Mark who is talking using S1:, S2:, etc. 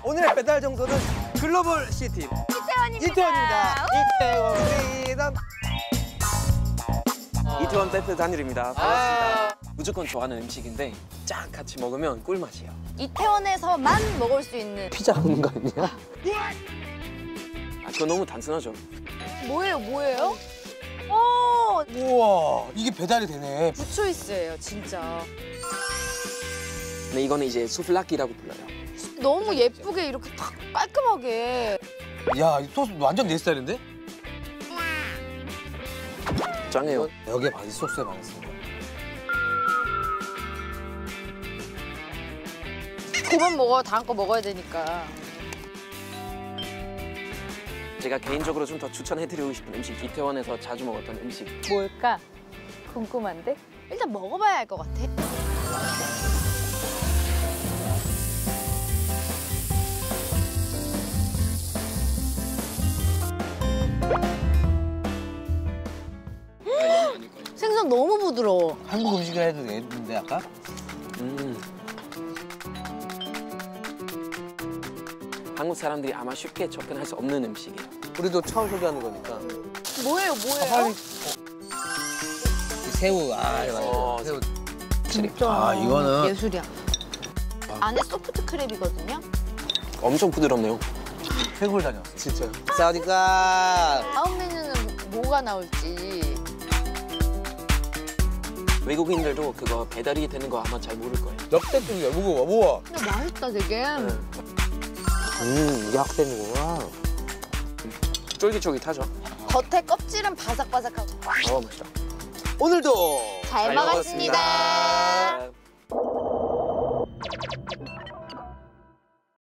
S1: 오늘의 배달 정도는 글로벌 C팀 이태원입니다. 이태원 프리덤.
S2: 이태원 페페 단일입니다. 반갑습니다. 무조건 좋아하는 음식인데 쫙 같이 먹으면 꿀맛이에요.
S3: 이태원에서만 먹을 수 있는
S1: 피자 먹는 거 아니야?
S2: 그거 너무 단순하죠.
S3: 뭐예요? 오!
S1: 우와, 이게 배달이 되네.
S3: 부초이스예요, 진짜.
S2: 근데 이거는 이제 수플라키라고 불러요.
S3: 너무 예쁘게 이렇게 탁 깔끔하게.
S1: 야, 이 소스 완전 내 스타일인데?
S2: 짱해요.
S1: 여기에 바지 소스에 많았습니다.
S3: 그만 먹어요, 다음 거 먹어야 되니까.
S2: 제가 개인적으로 좀 더 추천해드리고 싶은 음식, 이태원에서 자주 먹었던 음식.
S3: 뭘까? 궁금한데? 일단 먹어봐야 알 것 같아. 생선 너무 부드러워.
S1: 한국 음식을 해도 되는데 아까?
S2: 한국 사람들이 아마 쉽게 접근할 수 없는 음식이에요.
S1: 우리도 처음 소개하는 거니까.
S3: 뭐예요?
S1: 새우, 맞아. 새우.
S3: 진짜
S1: 이거는
S3: 예술이야. 안에 소프트 크랩이거든요.
S2: 엄청 부드럽네요.
S1: 태국을 다녀왔어. 진짜. 사우디가
S3: 다음 메뉴는 뭐가 나올지.
S2: 외국인들도 그거 배달이 되는 거 아마 잘 모를 거예요.
S1: 역대급이야. 무거워. 우와.
S3: 근데 맛있다, 되게.
S1: 이게 학생이구나.
S2: 쫄깃쫄깃하죠?
S3: 겉에 껍질은 바삭바삭하고.
S2: 맛있다.
S1: 오늘도
S3: 잘 먹었습니다.
S2: 먹었습니다.